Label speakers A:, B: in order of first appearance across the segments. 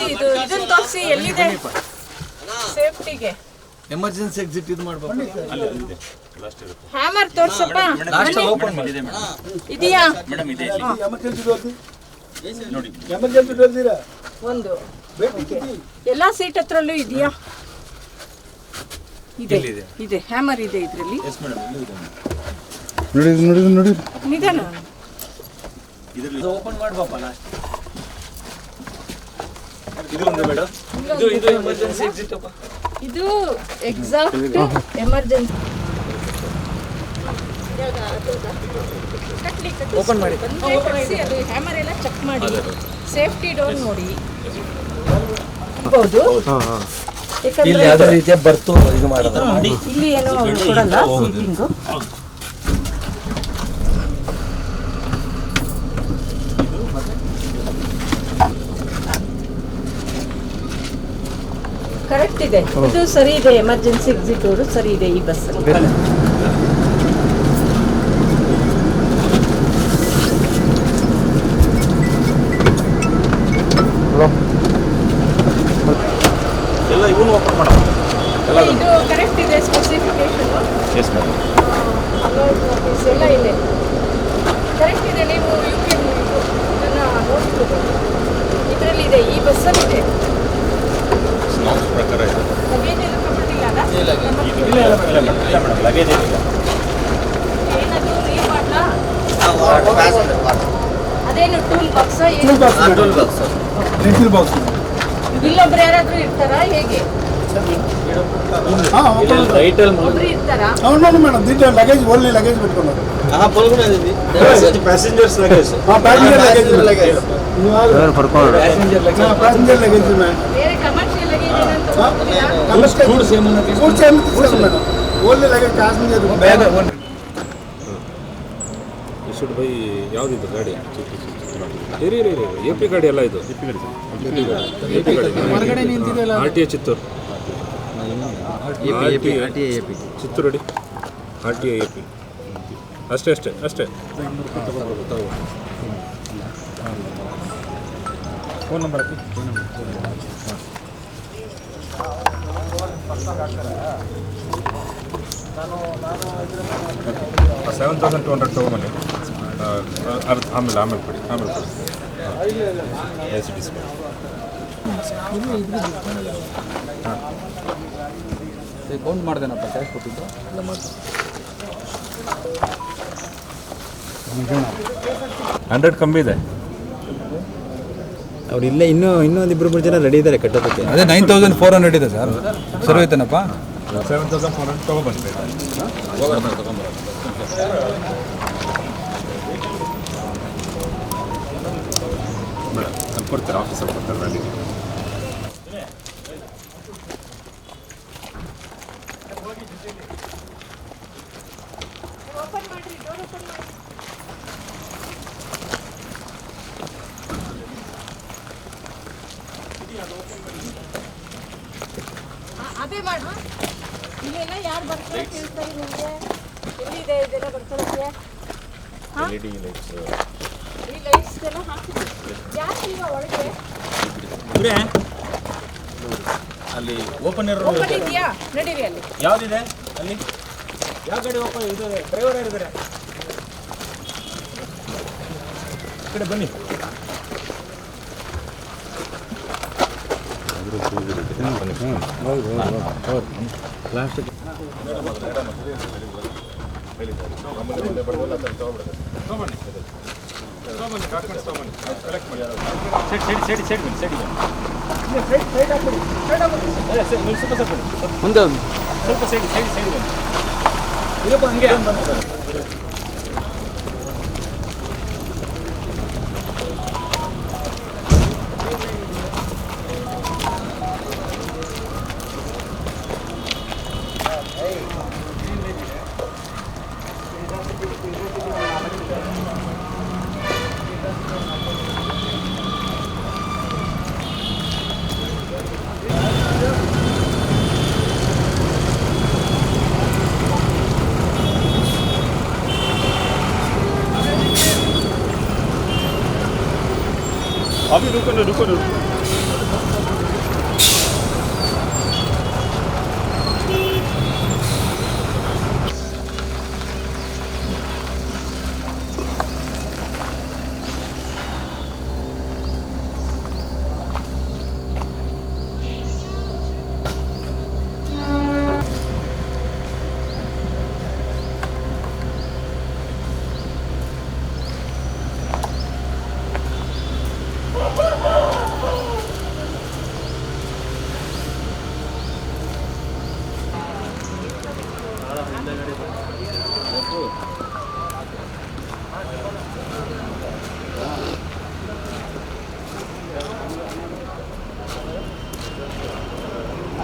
A: ಇದು ಇದನ್ನ ತೋರಿಸಿ ಎಲ್ಲಿದೆ ಸೇಫ್ಟಿಗೆ.
B: ಎಮರ್ಜೆನ್ಸಿ ಎಕ್ಸಿಟ್ ಇದು ಮಾಡಬೇಕು.
A: ಹ್ಯಾಮರ್ ತೋರ್ಸಪ್ಪ. ಇದೆಯಾ ಒಂದು ಎಲ್ಲಾ ಸೀಟ್ ಹತ್ರಲ್ಲೂ ಇದೆಯಾ? ಇದೆ ಇದೆ ಹ್ಯಾಮರ್ ಇದೆ ಇದರಲ್ಲಿ.
C: ನೋಡಿ
A: ನಿಧಾನ
B: ಓಪನ್ ಮಾಡಬಪ್ಪ ಲಾಸ್ಟ್. ಇದು ಒಂದು ಮೇಡಮ್ ಇದು ಎಮರ್ಜೆನ್ಸಿ ಎಕ್ಸಿಟ್ ಅಪ್ಪ.
A: ಇದು ಎಕ್ಸಾಕ್ಟ್ ಎಮರ್ಜೆನ್ಸಿ.
B: ಓಪನ್ ಮಾಡಿ.
A: ಅದು ಹ್ಯಾಮರ್ ಎಲ್ಲ ಚೆಕ್ ಮಾಡಿ ಸೇಫ್ಟಿ ಡೋರ್ ನೋಡಿ. ಹೌದು
B: ಇಲ್ಲಿ ಯಾವುದೇ ರೀತಿಯ ಬರ್ತು ಇದು ಮಾಡೋದು.
A: ಇಲ್ಲಿ ಏನೋ ಕೊಡಲ್ಲ ಸೀಟಿಂಗು. ಕರೆಕ್ಟ್ ಇದೆ, ಇದು ಸರಿ ಇದೆ. ಎಮರ್ಜೆನ್ಸಿ ಎಕ್ಸಿಟ್ ಡೋರು ಸರಿ ಇದೆ ಈ ಬಸ್.
B: ಎಲ್ಲ ಇವನು ಓಪನ್ ಮಾಡೋ
A: ಇದು ಕರೆಕ್ಟ್ ಇದೆ ಸ್ಪೆಸಿಫಿಕೇಶನ್.
B: Yes madam.
A: ನೋಟಿಸ್ ಎಲ್ಲ ಇದೆ ಕರೆಕ್ಟ್ ಇದೆ. ನೀವು ಇದನ್ನು ನೋಡ್ಬೋದು, ಇದರಲ್ಲಿ ಇದೆ, ಈ ಬಸ್ಸಲ್ಲಿ ಇದೆ.
B: ನಾಮ್ಸ್ ಪ್ರಕಾರ ಇದೆ.
A: ಲಗೇಜ್ ಎಲ್ಲ ತಗೊಂಡಿಲ್ಲ ಅಲ್ಲ?
B: ಇಲ್ಲ ಮೇಡಮ್ ಲಗೇಜ್ ಏನಿಲ್ಲ.
A: ಏನದು ರೀ ಮಾಡಲಾ? ಅದೇನು ಟೂಲ್ ಬಾಕ್ಸ್?
C: Tool box.
A: ಇಲ್ಲೊಬ್ರು ಯಾರಾದ್ರೂ ಇರ್ತಾರಾ ಹೇಗೆ? ಒಬ್ರು ಇರ್ತಾರಾ?
C: అవును మేడం, దీంట్లో లగేజ్ ఓన్లీ లగేజ్ పెట్టుకున్నారు.
B: Passengers luggage.
C: Passenger luggage passenger luggage
A: ಬೇರೆ ಕಮರ್ಷಿಯಲ್ ಲಗೇಜ್ ಏನಂತ
C: food same madam. Only luggage passenger bag.
D: ಇಶುಡ್ ಬೈ ಯಾವುದಿದು ಗಾಡಿ? ಇರಿ ಎ ಪಿ ಗಾಡಿ ಎಲ್ಲ ಇದು.
C: ಹೊರಗಡೆ ನಿಂತಿದೆಯಲ್ಲ
D: RTA ಚಿತ್ತೂರು. ಚಿತ್ತೂರು ಅಡಿ RTA AP. ಅಷ್ಟೇ.
C: ಫೋನ್ ನಂಬರ್
D: 7,200 ತಗೊಂಬನ್ನಿ. ಆಮೇಲೆ ಕೊಡಿ.
B: ಕೌಂಟ್ ಮಾಡ್ದೇನಪ್ಪ ಕ್ಯಾಶ್ ಕೊಟ್ಟಿದ್ದು.
D: 100 ಕಮ್ಮಿ ಇದೆ.
E: ಅವ್ರು ಇಲ್ಲೇ ಇನ್ನೊಂದು ಇಬ್ಬರು ಜನ ರೆಡಿ ಇದ್ದಾರೆ ಕಟ್ಟೋದಕ್ಕೆ.
C: ಅದೇ 9,400 ಇದೆ ಸರ್. ಸರಿ ಹೋಯ್ತೇನಪ್ಪ?
D: 7,400 ತಗೊಬನ್ನಿ. ಮೇಡಮ್ ಅಲ್ಲಿ ಕೊಡ್ತಾರೆ, ಆಫೀಸರ್ ಕೊಡ್ತಾರೆ ಗಾಡಿ.
A: ಅದೇ ಮಾಡು. ಇಲ್ಲೆಲ್ಲ ಯಾರು ಬರ್ತಾರೆ ಕೇಳ್ತಾರೆ ನಿಮಗೆ? ಎಲ್ಲಿದೆ ಇದೆಲ್ಲ ಬರ್ಕೊಳ್ಳೋಕ್ಕೆ?
D: LED lights.
A: ಈ ಲೈಟ್ಸ್ಗೆಲ್ಲ ಹಾಕಿದ್ವಿ. ಯಾಕಿಲ್ವಾ ಒಳಗೆ?
B: ಅಲ್ಲಿ ಓಪನ್
A: ಓಪನ್ ಇದೆಯಾ? ನಡೀರಿ ಅಲ್ಲಿ.
B: ಯಾವ್ದಿದೆ ಅಲ್ಲಿ? ಯಾವ ಗಾಡಿ ಓಪನ್ ಇದು? ಡ್ರೈವರ್ ಯಾರಿದ್ದಾರೆ? ಈ ಕಡೆ ಬನ್ನಿ.
D: ಲಾಸ್ಟ್
B: ಮುಂದೆ ಸ್ವಲ್ಪ ಸೈಡ್ ಬನ್ನಿ. ಇರಪ್ಪ ಹಂಗೆ.
D: अभी रुको।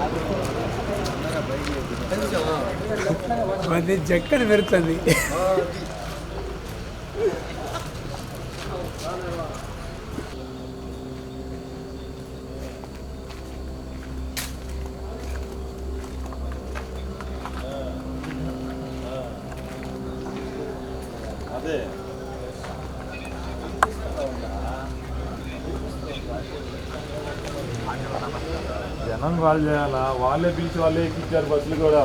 C: అది జక్కని పెడుతుంది.
B: అదే జనం వాళ్ళు చేయాలా, వాళ్ళే పిలిచి వాళ్ళే ఎక్కించారు బస్సులు కూడా.